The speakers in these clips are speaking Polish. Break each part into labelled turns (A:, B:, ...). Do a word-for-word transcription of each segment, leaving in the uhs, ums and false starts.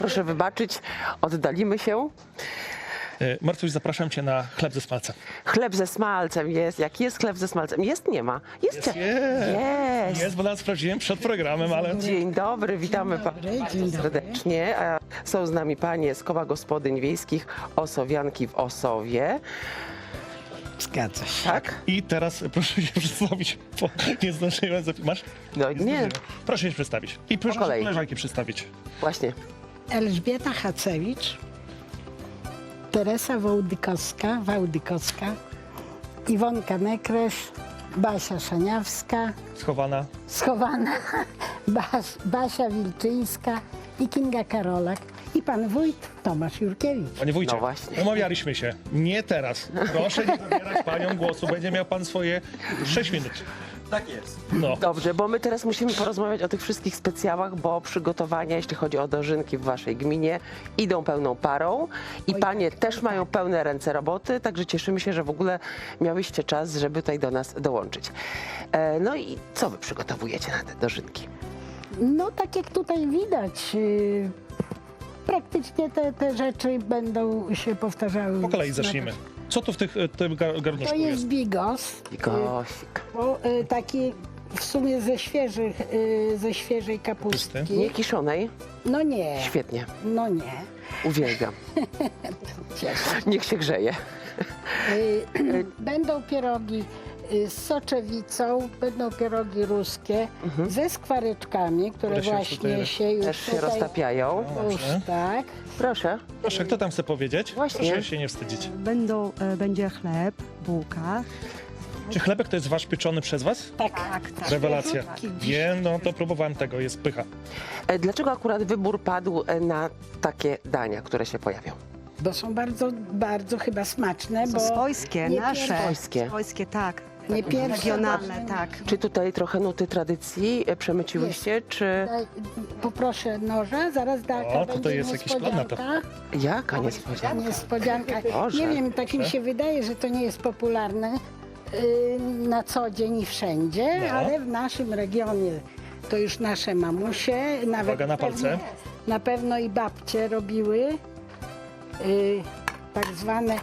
A: Proszę wybaczyć, oddalimy się.
B: Martuś, zapraszam cię na chleb ze smalcem.
A: Chleb ze smalcem jest. Jak jest chleb ze smalcem? Jest, nie ma. Jest.
B: Jest,
A: jest.
B: jest bo nawet sprawdziłem przed programem, ale...
A: Dzień dobry, witamy
C: Dzień dobry,
A: pa-
C: dzień dobry.
A: serdecznie. A są z nami panie z Koła Gospodyń Wiejskich Osowianki w Osowie.
C: Zgadza się.
A: Tak?
B: I teraz proszę się przedstawić, bo nie zdążyłem zapisać. Masz?
A: No nie,
B: Proszę się przedstawić. I proszę
A: kolei.
B: koleżanki przedstawić.
A: właśnie.
C: Elżbieta Hacewicz, Teresa Wołdykowska, Wałdykowska, Iwonka Nekresz, Basia Szaniawska,
B: Schowana.
C: schowana Bas, Basia Wilczyńska i Kinga Karolak i pan wójt Tomasz Jurkiewicz.
B: Panie wójcie,
A: No właśnie.
B: umawialiśmy się. Nie teraz. Proszę nie zabierać panią głosu. Będzie miał pan swoje sześć minut.
D: Tak jest.
B: No.
A: Dobrze, bo my teraz musimy porozmawiać o tych wszystkich specjałach, bo przygotowania, jeśli chodzi o dożynki w waszej gminie, idą pełną parą i panie też mają pełne ręce roboty, także cieszymy się, że w ogóle miałyście czas, żeby tutaj do nas dołączyć. E, no i co wy przygotowujecie na te dożynki?
C: No tak jak tutaj widać, yy, praktycznie te, te rzeczy będą się powtarzały.
B: Po kolei zacznijmy. Co tu w tych, tym gar-
C: To
B: garnuszku
C: jest
B: jest?
C: bigos.
A: I Gosik.
C: Bo, y, taki w sumie ze świeżych, y, ze świeżej kapustki.
B: Pusty.
A: Nie kiszonej?
C: No nie,
A: Świetnie.
C: no nie.
A: Uwielbiam.
C: Cieszę.
A: Niech się grzeje.
C: Y, będą pierogi y, z soczewicą, będą pierogi ruskie ze skwareczkami, które,
B: Które się już
C: właśnie
B: tutaj-
C: się już
A: Też się
C: tutaj,
A: roztapiają.
C: już
B: Dobrze.
C: tak.
A: Proszę.
B: Proszę, kto tam chce powiedzieć?
A: Właśnie.
B: Proszę się nie wstydzić.
E: Będą, e, będzie chleb, bułka.
B: Czy chlebek to jest wasz pieczony przez was?
C: Tak,
E: tak.
B: Rewelacja.
C: Świeżutki.
B: Wiem, no to próbowałem tego, jest pycha.
A: E, Dlaczego akurat wybór padł e, na takie dania, które się pojawią?
C: Bo są bardzo, bardzo chyba smaczne,
E: Są
C: bo
E: swojskie,
C: nie
E: nasze.
C: pierwsze.
A: Swojskie.
E: Swojskie, tak.
C: nie pierwsze.
E: Regionalne, tak.
A: Czy tutaj trochę nuty tradycji e, przemyciłyście, czy
C: Daj, poproszę noża, zaraz da,
B: O, tutaj jest jakiś plan na to.
A: jaka niespodzianka?
C: Niespodzianka.
A: Boże.
C: Nie wiem, tak mi się wydaje, że to nie jest popularne y, na co dzień i wszędzie,
B: No.
C: ale w naszym regionie to już nasze mamusie, nawet
B: Uwaga na palce.
C: pewno, na pewno i babcie robiły y, tak zwane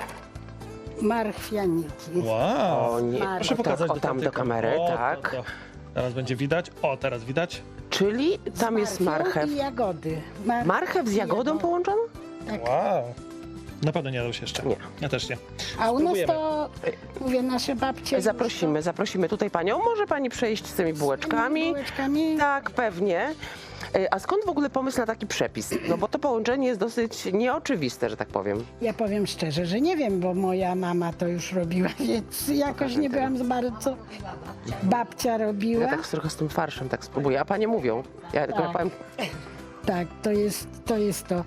C: marchwianiki.
B: Wow.
A: O nie,
C: Proszę
A: o, tak,
B: pokazać
A: o
B: do
A: tam do
B: tamtej
A: kamery,
B: kamery. O,
A: tak.
B: to, to. Teraz będzie widać. O, teraz widać.
A: Czyli tam jest
C: Marchew
A: marchew.
C: i jagody. Mar-
A: Marchew z
C: i
A: jagodą
C: jagody.
A: połączona?
C: Tak.
B: Wow. Na pewno nie dał się jeszcze.
A: Nie.
B: Ja też nie.
C: A u nas
B: Spróbujemy.
C: to, mówię, nasze babcie...
A: Zaprosimy, zaprosimy tutaj panią. Może pani przejść z tymi bułeczkami?
C: Bułeczkami.
A: Tak, pewnie. E, A skąd w ogóle pomysł na taki przepis? No bo to połączenie jest dosyć nieoczywiste, że tak powiem.
C: Ja powiem szczerze, że nie wiem, bo moja mama to już robiła, więc jakoś nie byłam za bardzo. Babcia robiła.
A: Ja tak trochę z tym farszem tak spróbuję, a panie mówią. Ja tylko
C: Tak.
A: powiem,
C: Tak, to jest to. Jest to.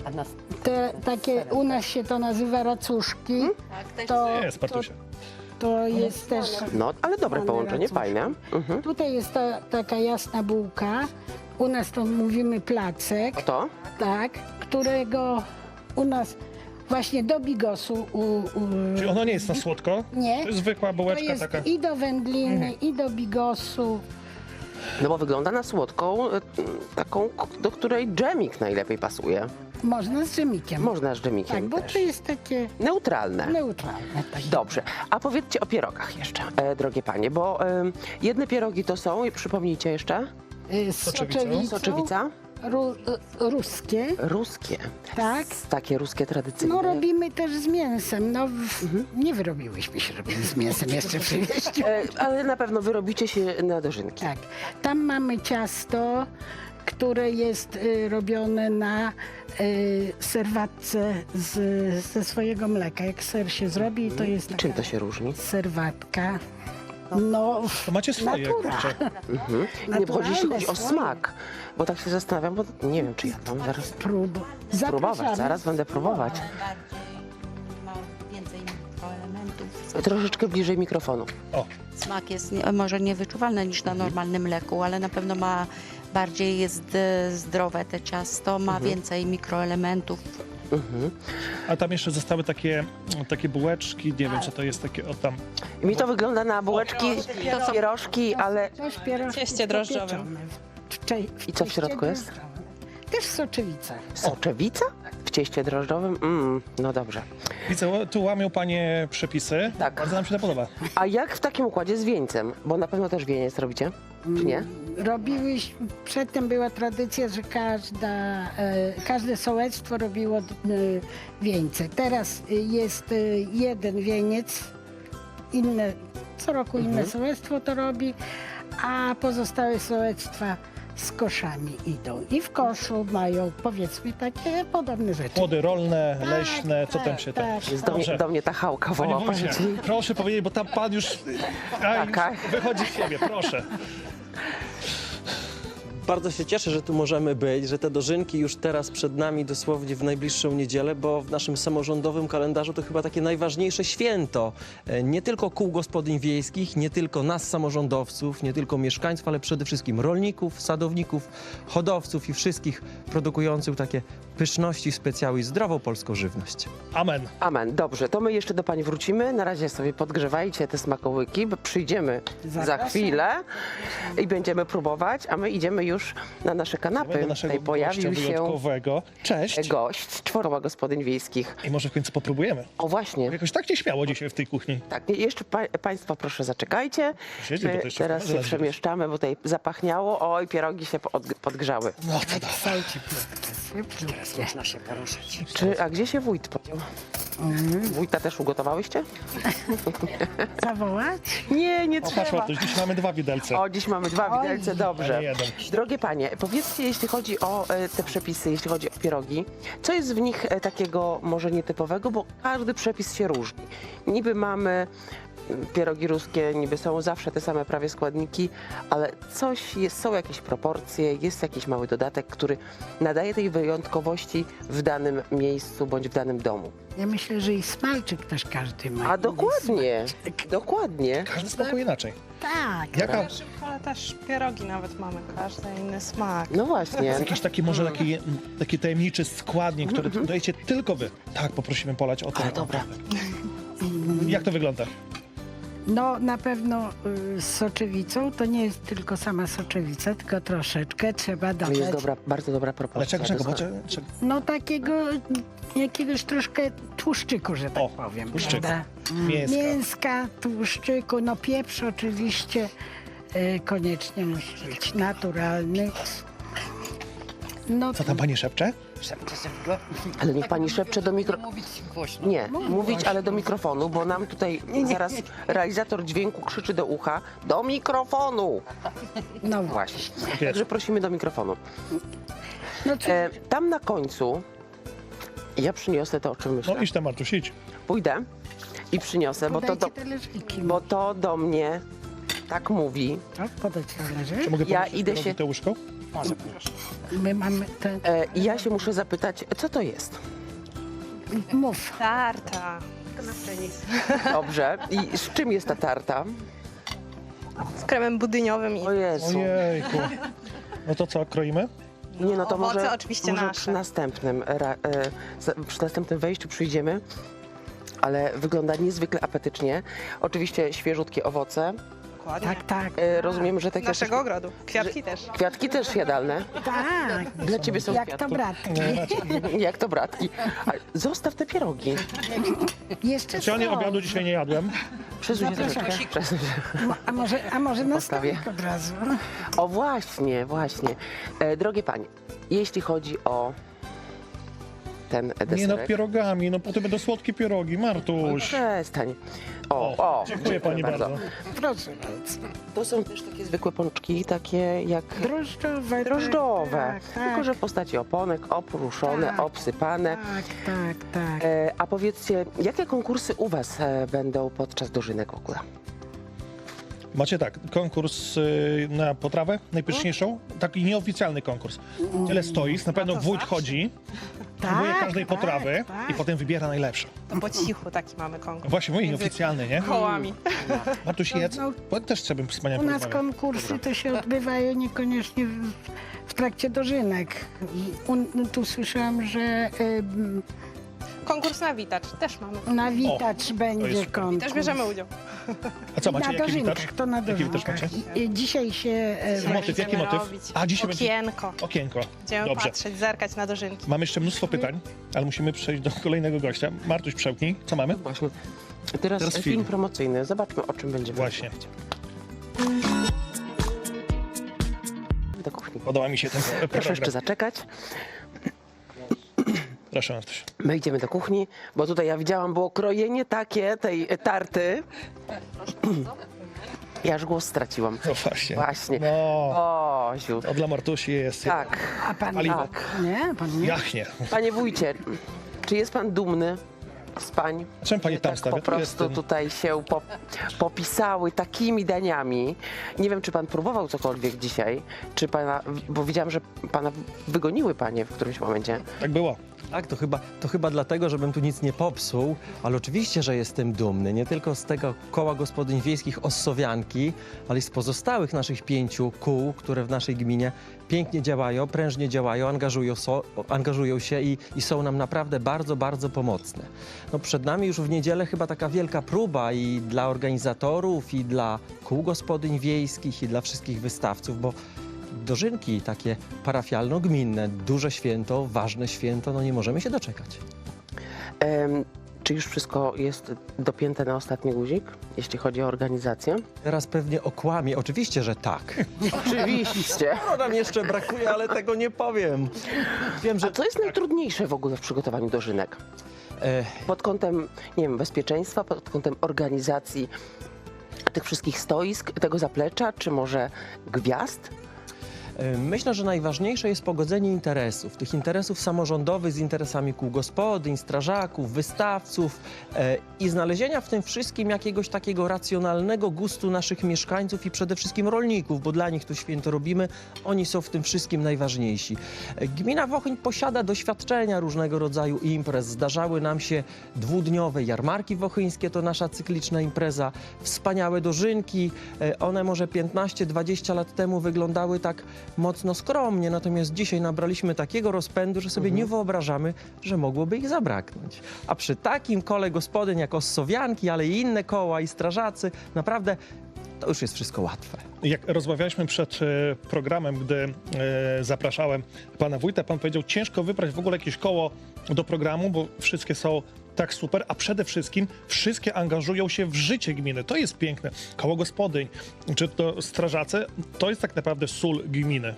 C: Te, takie, u nas się to nazywa racuszki. To,
B: Jest,
C: to,
B: Martusia.
C: to jest też.
A: no ale dobre
C: Mamy
A: połączenie,
C: racuszki.
A: fajne. Mhm.
C: Tutaj jest ta, taka jasna bułka. U nas to mówimy placek,
A: To?
C: tak, którego u nas właśnie do bigosu. U, u,
B: Czyli ono nie jest na słodko?
C: Nie.
B: To jest zwykła
C: to
B: bułeczka
C: jest
B: taka.
C: i do wędliny, i do bigosu.
A: No bo wygląda na słodką, e, taką, k- do której dżemik najlepiej pasuje.
C: Można z dżemikiem.
A: Można z
C: Tak,
A: dżemikiem
C: bo
A: też.
C: to jest takie
A: Neutralne.
C: neutralne. Tak.
A: Dobrze, a powiedzcie o pierogach jeszcze, e, drogie panie, bo e, jedne pierogi to są, i przypomnijcie jeszcze,
C: Y, Z
B: Soczewicą.
C: soczewicą.
A: soczewica,
C: Ru, y, ruskie.
A: ruskie,
C: Tak.
A: S- takie ruskie tradycyjne.
C: No robimy też z mięsem. No w, nie wyrobiłyśmy się, robimy z mięsem jeszcze przywieźć.
A: E, ale na pewno wyrobicie się na dożynki.
C: Tak. Tam mamy ciasto, które jest y, robione na y, serwatce z, ze swojego mleka. Jak ser się zrobi, to jest
A: I
C: taka
A: czym to się różni?
C: serwatka. No,
B: To macie swoje.
C: natura.
B: kurczę.
A: Mhm. Nie, bo chodzi, jeśli chodzi o
C: swoje.
A: smak, bo tak się zastanawiam, bo nie wiem, czy ja tam zaraz
C: Prób.
A: próbować,
C: Zapraszamy.
A: zaraz będę próbować.
F: Bardziej ma więcej mikroelementów.
A: Troszeczkę bliżej mikrofonu.
B: O,
F: Smak jest nie, może niewyczuwalny niż na normalnym mleku, ale na pewno ma bardziej jest e, zdrowe te ciasto, ma więcej mikroelementów.
A: Mhm.
B: a tam jeszcze zostały takie, takie bułeczki, nie wiem co to jest takie, o tam.
A: I mi to wygląda na bułeczki, pierożki, ale
C: Coś pierożki
G: Cieście drożdżowym.
C: popieczone w cze- w
A: I co w
C: cieście
A: środku jest?
C: drożdżowym. Też też soczewica.
A: Soczewica? W cieście drożdżowym? Mm, no dobrze.
B: Widzę, tu łamią panie przepisy.
A: Tak.
B: Bardzo nam się to podoba.
A: A jak w takim układzie z wieńcem? Bo na pewno też wieniec robicie, czy nie?
C: Robiłyś, przedtem była tradycja, że każda, e, każde sołectwo robiło e, wieńce. Teraz e, jest e, jeden wieniec, inne, co roku inne sołectwo to robi, a pozostałe sołectwa z koszami idą. I w koszu mają, powiedzmy, takie podobne rzeczy.
B: Płody rolne,
C: Tak,
B: leśne, co tam
C: tak,
B: się
C: tak.
B: tam...
A: Jest do, mnie,
B: Dobrze.
A: do mnie ta chałka
B: Panie
A: woła.
B: wójcie,
A: powiem ci.
B: proszę powiedzieć, bo tam pan już, a, już
A: Taka.
B: wychodzi z siebie, proszę.
D: Bardzo się cieszę, że tu możemy być, że te dożynki już teraz przed nami dosłownie w najbliższą niedzielę, bo w naszym samorządowym kalendarzu to chyba takie najważniejsze święto. E, Nie tylko kół gospodyń wiejskich, nie tylko nas samorządowców, nie tylko mieszkańców, ale przede wszystkim rolników, sadowników, hodowców i wszystkich produkujących takie pyszności, specjały i zdrową polską żywność.
B: Amen.
A: Amen. Dobrze, to my jeszcze do pani wrócimy. Na razie sobie podgrzewajcie te smakołyki, bo przyjdziemy za
C: Zapraszam.
A: chwilę i będziemy próbować, a my idziemy już na nasze kanapy.
B: Do naszego
A: Tutaj pojawił
B: gościa
A: się
B: wyjątkowego. Cześć.
A: gość, czworowa gospodyń wiejskich.
B: I może w końcu popróbujemy.
A: O właśnie,
B: Jakoś tak nieśmiało dzisiaj w tej kuchni.
A: tak, jeszcze pa, państwo proszę zaczekajcie.
B: Siedzi, bo
A: My
B: to jeszcze
A: teraz
B: wtedy
A: się
B: zaraz
A: przemieszczamy, bo tutaj zapachniało. Oj, pierogi się pod, podgrzały.
B: No to da.
C: Słuchajcie, Teraz można się poruszać.
A: Czy, a gdzie się wójt podział? Wójta też ugotowałyście?
C: Zawołać?
A: Nie, nie
B: O, patrz,
A: trzeba.
B: Bartuś, dziś mamy dwa widelce.
A: O, dziś mamy dwa widelce,
B: a
A: dobrze.
B: nie jeden.
A: Drogie panie, powiedzcie, jeśli chodzi o e, te przepisy, jeśli chodzi o pierogi, co jest w nich e, takiego może nietypowego, bo każdy przepis się różni. Niby mamy mm, pierogi ruskie, niby są zawsze te same prawie składniki, ale coś jest, są jakieś proporcje, jest jakiś mały dodatek, który nadaje tej wyjątkowości w danym miejscu bądź w danym domu.
C: Ja myślę, że i smalczyk też każdy ma.
A: A dokładnie, dokładnie.
B: Każdy smakuje inaczej.
C: Tak.
B: Jaka,
G: Ale też pierogi nawet mamy, każdy inny smak.
A: No właśnie.
B: jakiś taki może taki, taki tajemniczy składnik, który dodajecie tylko wy. Tak, poprosimy polać o to.
A: Ale dobra.
B: Jak to wygląda?
C: No na pewno y, z soczewicą to nie jest tylko sama soczewica, tylko troszeczkę trzeba
A: To
C: dodać.
A: jest dobra, bardzo dobra
B: Ale
A: propozycja.
B: czego, czego? Bo,
A: doskonale.
B: czego, czego?
C: No takiego jakiegoś troszkę tłuszczyku, że tak
B: O,
C: powiem.
B: tłuszczyku.
C: prawda?
B: Mięska.
C: Mięska, tłuszczyku, no pieprz oczywiście y, koniecznie musi być naturalny. No
B: Co tam pani szepcze?
A: Ale niech pani szepcze do mikro... Nie, mówić, ale do mikrofonu, bo nam tutaj zaraz realizator dźwięku krzyczy do ucha. Do mikrofonu!
C: no
A: Właśnie.
B: Jest.
A: Także prosimy do mikrofonu.
C: No co,
A: E, tam na końcu ja przyniosę to, o czym myślę.
B: No idź tam, Martuś, idź.
A: Pójdę i przyniosę, bo to,
C: podajcie
A: do,
C: talerzyki.
A: bo to do mnie tak mówi.
C: Co? Podać talerzyk?
B: Czy mogę
A: Ja
B: poprosić
A: idę
B: pierogi
A: się-
B: Te łóżko?
C: My mamy ten...
A: E, I ja się muszę zapytać, co to jest?
C: Mów.
G: Tarta.
A: Dobrze. I z czym jest ta tarta?
G: Z kremem budyniowym i
A: O Jezu.
B: Ojejku. No to co, kroimy?
A: Nie, no to
G: Owoce
A: może,
G: oczywiście
A: może
G: nasze.
A: przy następnym ra, e, za- przy następnym wejściu przyjdziemy, ale wygląda niezwykle apetycznie. Oczywiście świeżutkie owoce.
G: dokładnie.
C: Tak, tak.
A: E, rozumiem, że
G: Z
A: takie
G: naszego
A: też,
G: ogrodu. Kwiatki też.
A: kwiatki też jadalne.
C: Tak.
A: Dla ciebie są
C: Jak to
A: kwiatki.
C: bratki.
A: Jak to bratki. A, zostaw te pierogi.
C: Jeszcze
B: Specjalnie
C: są.
B: obiadu dzisiaj nie jadłem.
A: Przesuń się troszeczkę. Przesuń się.
C: Mo- A może, a może na
A: Postawię.
C: stolik od razu?
A: O właśnie, właśnie. E, drogie panie, jeśli chodzi o ten deserek.
B: Nie nad pierogami, no potem będą słodkie pierogi, Martuś.
A: Przestań. O,
B: O,
A: o,
B: dziękuję pani bardzo.
C: Proszę bardzo.
A: To są też takie zwykłe pączki, takie jak
C: Drożdżowe.
A: drożdżowe,
C: Tak, tak,
A: tylko że w postaci oponek, oprószone,
C: Tak.
A: obsypane.
C: Tak, tak, tak.
A: E, a powiedzcie, jakie konkursy u was e, będą podczas dożynek w ogóle?
B: Macie tak, konkurs y, na potrawę najpyszniejszą, taki nieoficjalny konkurs. Tyle stoisk, na pewno
G: to
B: wójt
G: zawsze.
B: chodzi, próbuje
C: Tak,
B: każdej
C: tak,
B: potrawy
C: tak.
B: i potem wybiera najlepszą.
G: To po cichu taki mamy konkurs.
B: Właśnie, mój
G: Między
B: nieoficjalny, nie?
G: kołami.
B: Martuś, jedz,
C: No,
B: bo też trzeba wspaniale
C: U nas
B: porozmawiać.
C: konkursy to się odbywają niekoniecznie w, w trakcie dożynek. U, tu słyszałam, że y,
G: Konkurs na witacz też mamy.
C: na Witacz będzie
B: super.
C: konkurs.
G: Też bierzemy udział.
B: A co,
C: I
B: macie
C: na
B: jaki
C: dożynkach,
B: witacz?
C: to na
B: Jaki witacz
C: dożynkach.
B: macie?
C: I, i dzisiaj się... e,
B: Motyw, jaki
G: Będziemy
B: motyw?
G: robić
B: A, dzisiaj będzie
G: okienko.
B: okienko.
G: Będziemy
B: Dobrze.
G: patrzeć, zerkać na dożynki.
B: Mamy jeszcze mnóstwo pytań, ale musimy przejść do kolejnego gościa. Martuś, przełknij. Co mamy?
A: Właśnie. Teraz,
B: Teraz
A: film.
B: film.
A: promocyjny. Zobaczmy, o czym będziemy
B: Właśnie.
A: rozmawiać. Do kuchni.
B: Podoba mi się ten
A: Proszę
B: program.
A: jeszcze zaczekać.
B: Proszę, Martuś.
A: My idziemy do kuchni, bo tutaj ja widziałam, było krojenie takie tej tarty. Ja aż głos straciłam.
B: No właśnie.
A: Właśnie.
B: No,
A: O, ziu.
B: to dla Martusi jest
A: Tak.
C: A pan
B: Paliwo.
C: nie? Pan nie?
B: jachnie.
A: Panie wójcie, czy jest pan dumny z pań?
B: Czemu pani
A: że
B: tam
A: tak
B: stawia?
A: po
B: Tu jest
A: prostu
B: ten-
A: tutaj się po, popisały takimi daniami. Nie wiem, czy pan próbował cokolwiek dzisiaj, czy pana, bo widziałam, że pana wygoniły panie w którymś momencie.
B: Tak było.
D: Tak, to chyba, to chyba dlatego, żebym tu nic nie popsuł, ale oczywiście, że jestem dumny, nie tylko z tego koła gospodyń wiejskich Ossowianki, ale i z pozostałych naszych pięciu kół, które w naszej gminie pięknie działają, prężnie działają, angażują, so, angażują się i, i są nam naprawdę bardzo, bardzo pomocne. No przed nami już w niedzielę chyba taka wielka próba i dla organizatorów, i dla kół gospodyń wiejskich, i dla wszystkich wystawców, bo dożynki takie parafialno-gminne, duże święto, ważne święto, no nie możemy się doczekać.
A: Em, czy już wszystko jest dopięte na ostatni guzik, jeśli chodzi o organizację?
D: Teraz pewnie okłamie, oczywiście, że tak.
A: Oczywiście.
D: No nam jeszcze brakuje, ale tego nie powiem. Wiem,
A: A
D: że
A: co jest najtrudniejsze w ogóle w przygotowaniu dożynek?
D: e,
A: Pod kątem, nie wiem, bezpieczeństwa, pod kątem organizacji tych wszystkich stoisk, tego zaplecza, czy może gwiazd?
D: e, myślę, że najważniejsze jest pogodzenie interesów. Tych interesów samorządowych z interesami kół gospodyń, strażaków, wystawców e, i znalezienia w tym wszystkim jakiegoś takiego racjonalnego gustu naszych mieszkańców i przede wszystkim rolników, bo dla nich to święto robimy. Oni są w tym wszystkim najważniejsi. E, Gmina Wochyn posiada doświadczenia różnego rodzaju imprez. Zdarzały nam się dwudniowe jarmarki wochyńskie, to nasza cykliczna impreza. Wspaniałe dożynki. E, One może piętnaście dwadzieścia lat temu wyglądały tak mocno skromnie, natomiast dzisiaj nabraliśmy takiego rozpędu, że sobie nie wyobrażamy, że mogłoby ich zabraknąć. A przy takim kole gospodyń jak Ossowianki, ale i inne koła i strażacy, naprawdę to już jest wszystko łatwe.
B: Jak rozmawialiśmy przed e, programem, gdy e, zapraszałem pana wójta, pan powiedział, ciężko wybrać w ogóle jakieś koło do programu, bo wszystkie są tak super, a przede wszystkim wszystkie angażują się w życie gminy. To jest piękne. Koło gospodyń, czy to strażacy, to jest tak naprawdę sól gminy.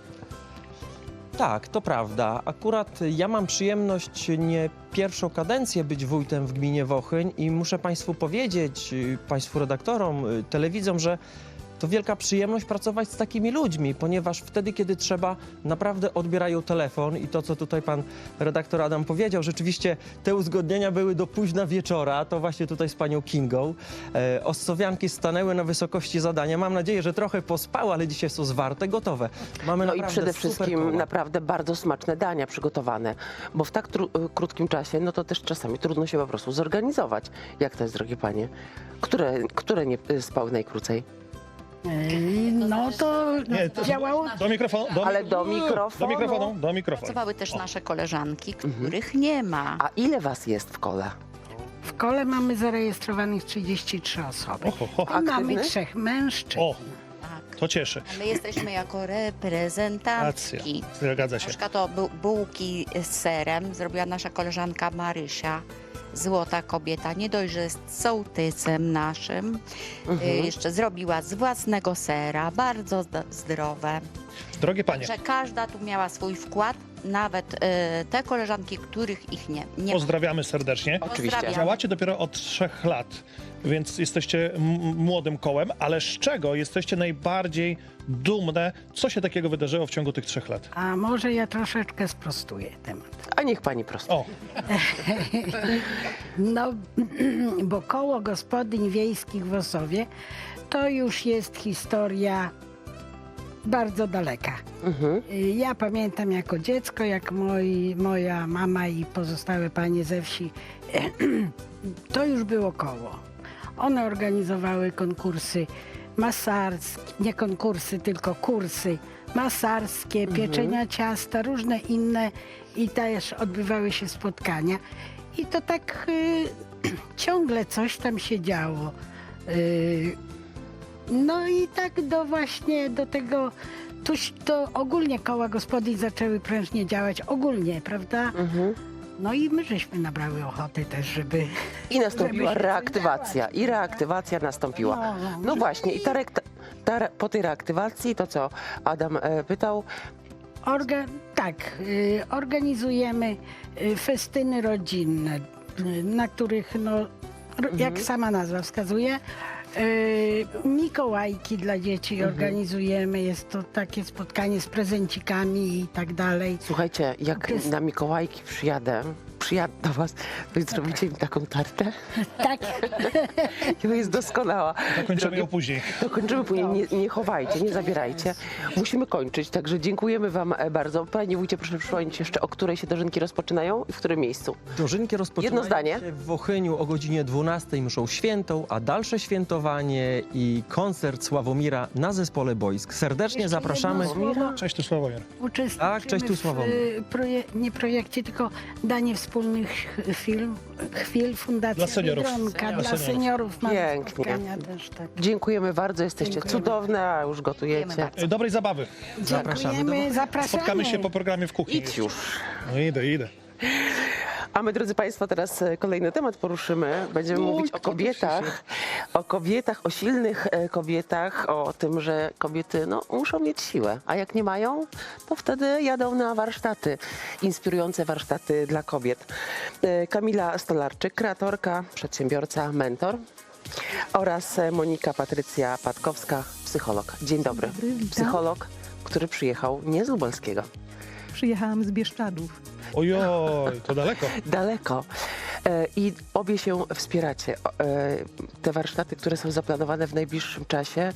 D: Tak, to prawda. Akurat ja mam przyjemność nie pierwszą kadencję być wójtem w gminie Wochyn i muszę Państwu powiedzieć, y, Państwu redaktorom, y, telewidzom, że to wielka przyjemność pracować z takimi ludźmi, ponieważ wtedy, kiedy trzeba, naprawdę odbierają telefon i to, co tutaj pan redaktor Adam powiedział, rzeczywiście te uzgodnienia były do późna wieczora, to właśnie tutaj z panią Kingą. E, Ossowianki stanęły na wysokości zadania. Mam nadzieję, że trochę pospały, ale dzisiaj są zwarte, gotowe. Mamy
A: No i
D: naprawdę
A: przede
D: super
A: wszystkim
D: koła.
A: naprawdę bardzo smaczne dania przygotowane, bo w tak tru- krótkim czasie, no to też czasami trudno się po prostu zorganizować. Jak to jest, drogie panie? Które, które nie spały najkrócej?
C: Ej, No to
B: Nie, to-
C: działało.
B: Do mikrofonu. Do,
A: Ale do
B: do
A: mikrofonu.
B: mikrofonu, do mikrofonu.
F: Pracowały też nasze koleżanki, których nie ma.
A: A ile was jest w kole?
C: W kole mamy zarejestrowanych trzydzieści trzy osoby.
B: Oho, ho.
C: I mamy
A: Aktywnych?
C: trzech mężczyzn.
B: O,
F: Tak.
B: to cieszy.
F: A my jesteśmy jako
B: Racja,
F: reprezentantki.
B: zgadza się.
F: Na przykład to bu- bułki z serem zrobiła nasza koleżanka Marysia. Złota kobieta, nie dość, że jest sołtysem naszym,
A: Mhm.
F: y, jeszcze zrobiła z własnego sera, bardzo zd- zdrowe.
B: Drogie panie,
F: Że każda tu miała swój wkład, nawet y, te koleżanki, których ich nie, nie ma.
B: pozdrawiamy serdecznie.
A: Oczywiście.
F: Pozdrawiam.
B: Działacie dopiero od trzech lat, więc jesteście m- młodym kołem, ale z czego jesteście najbardziej dumne? Co się takiego wydarzyło w ciągu tych trzech lat?
C: A może ja troszeczkę sprostuję temat.
A: A niech pani prosto.
B: O,
C: No, bo koło gospodyń wiejskich w Ossowie to już jest historia bardzo daleka.
A: Mhm.
C: Ja pamiętam jako dziecko, jak moi, moja mama i pozostałe panie ze wsi, to już było koło. One organizowały konkursy masarskie, nie konkursy, tylko kursy masarskie, pieczenia ciasta, różne inne i też odbywały się spotkania. I to tak y, ciągle coś tam się działo. Y, No i tak do właśnie do tego, tuż to ogólnie koła gospodyń zaczęły prężnie działać, ogólnie, prawda?
A: Mhm.
C: No i my żeśmy nabrały ochoty też, żeby...
A: I nastąpiła
C: Żeby się
A: reaktywacja.
C: działać,
A: I reaktywacja nastąpiła.
C: No, no,
A: No właśnie, i ta, reakta- ta, re- po tej reaktywacji, to co Adam e, pytał,
C: Orga, tak, y, organizujemy y, festyny rodzinne, y, na których, no, ro, jak sama nazwa wskazuje, y, Mikołajki dla dzieci organizujemy. Jest to takie spotkanie z prezencikami i tak dalej.
A: słuchajcie, jak
C: To jest-
A: na Mikołajki przyjadę, przyjadę do was, to zrobicie mi taką tartę?
C: Tak,
A: To jest doskonała.
B: Dokończymy ją później.
A: To kończymy później. Nie, nie chowajcie, nie zabierajcie. Musimy kończyć, także dziękujemy wam e, bardzo. Panie wójcie, proszę przypomnieć jeszcze, o której się dożynki rozpoczynają i w którym miejscu.
D: Dożynki rozpoczynają
A: Jedno zdanie.
D: się w Wochyniu o godzinie dwunastej mszą świętą, a dalsze świętowanie i koncert Sławomira na zespole boisk. Serdecznie
C: Jeszcze
D: zapraszamy.
C: jedno słowo.
B: Cześć, tu Sławomir.
C: Uczestniczymy
D: Tak, cześć, tu
C: w
D: Sławomir.
C: y, proje, nie projekcie, tylko danie wspólnych film, chwil Fundacja
B: Dla seniorów.
C: Biedronka,
B: Dla
C: dla
B: seniorów.
C: seniorów. Mamy
A: Pięknie.
C: spotkania też, tak.
A: Dziękujemy bardzo, jesteście
C: Dziękujemy.
A: cudowne, a już gotujecie.
F: Dziękujemy bardzo.
B: E, Dobrej zabawy.
D: Zapraszamy
C: Dziękujemy,
D: do-
C: zapraszamy.
B: Spotkamy się po programie w kuchni.
A: Idź już.
B: No idę, idę.
A: A my, drodzy Państwo, teraz e, kolejny temat poruszymy. Będziemy
B: Oj,
A: mówić o
B: kto tu
A: kobietach, o kobietach, o silnych e, kobietach, o tym, że kobiety no, muszą mieć siłę, a jak nie mają, to wtedy jadą na warsztaty, inspirujące warsztaty dla kobiet. E, Kamila Stolarczyk, kreatorka, przedsiębiorca, mentor oraz e, Monika Patrycja Patkowska, psycholog. Dzień dobry.
H: dobry, witam.
A: Psycholog, który przyjechał nie z Lubelskiego.
H: Przyjechałam z Bieszczadów.
B: Ojoj, to daleko.
A: Daleko. E, I obie się wspieracie. O, e, Te warsztaty, które są zaplanowane w najbliższym czasie,